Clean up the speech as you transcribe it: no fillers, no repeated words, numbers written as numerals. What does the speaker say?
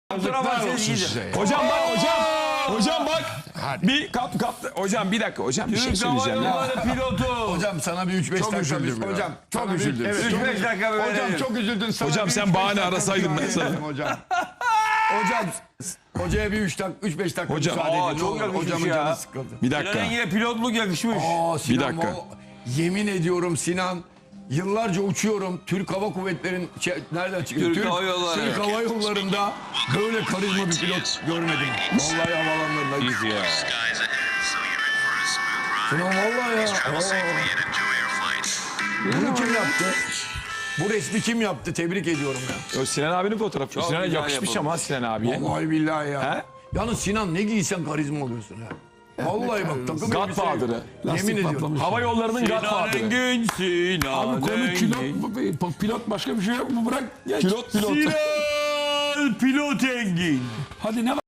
Hocam bak hocam bak. Bir kap hocam bir dakika hocam bir şey söyleyeceğim ya. Pilotu. Hocam sana bir 3-5 dakika üzüldüm ya. hocam çok Sana bir- üzüldüm. evet, 3-5 dakika böyle. Hocam çok üzüldün. Sana Hocam bir sen 3-5 bahane dakika arasaydın ben müsaade sana. ederim Hocam. Hocam hocaya bir 3-5 dakika Hocam. müsaade edin. Çok Ne olur, yakışmış hocamın ya. canı sıkıldı. Bir Sinan'ın dakika. yine pilotluk yakışmış. Sinan, Bir dakika. Yemin ediyorum Sinan yıllarca uçuyorum. Türk Hava Kuvvetleri'nin nereden çıkıyor? Türk Hava Yolları. Türk Hava Yolları'nda böyle karizma bir pilot görmedim. Vallahi havalanlarında. Ya. Sinan vallahi ya. Bunu kim yaptı? Bu resmi kim yaptı? Tebrik ediyorum ya. O Sinan abinin fotoğrafı. Çok Sinan'a güzel yakışmış yapılmış. ama Sinan abiye. Vallahi billahi ya. He? Yalnız Sinan ne giysen karizma oluyorsun ha. Vallahi bak takım Godfather'ı. Yemin ediyorum. Hava yollarının Sinan Godfather'ı. Engin, Sinan Abi konu Engin. pilot başka bir şey yok mu? Bırak. Geç. Pilot. Sinan Pilot Engin. Hadi ne var?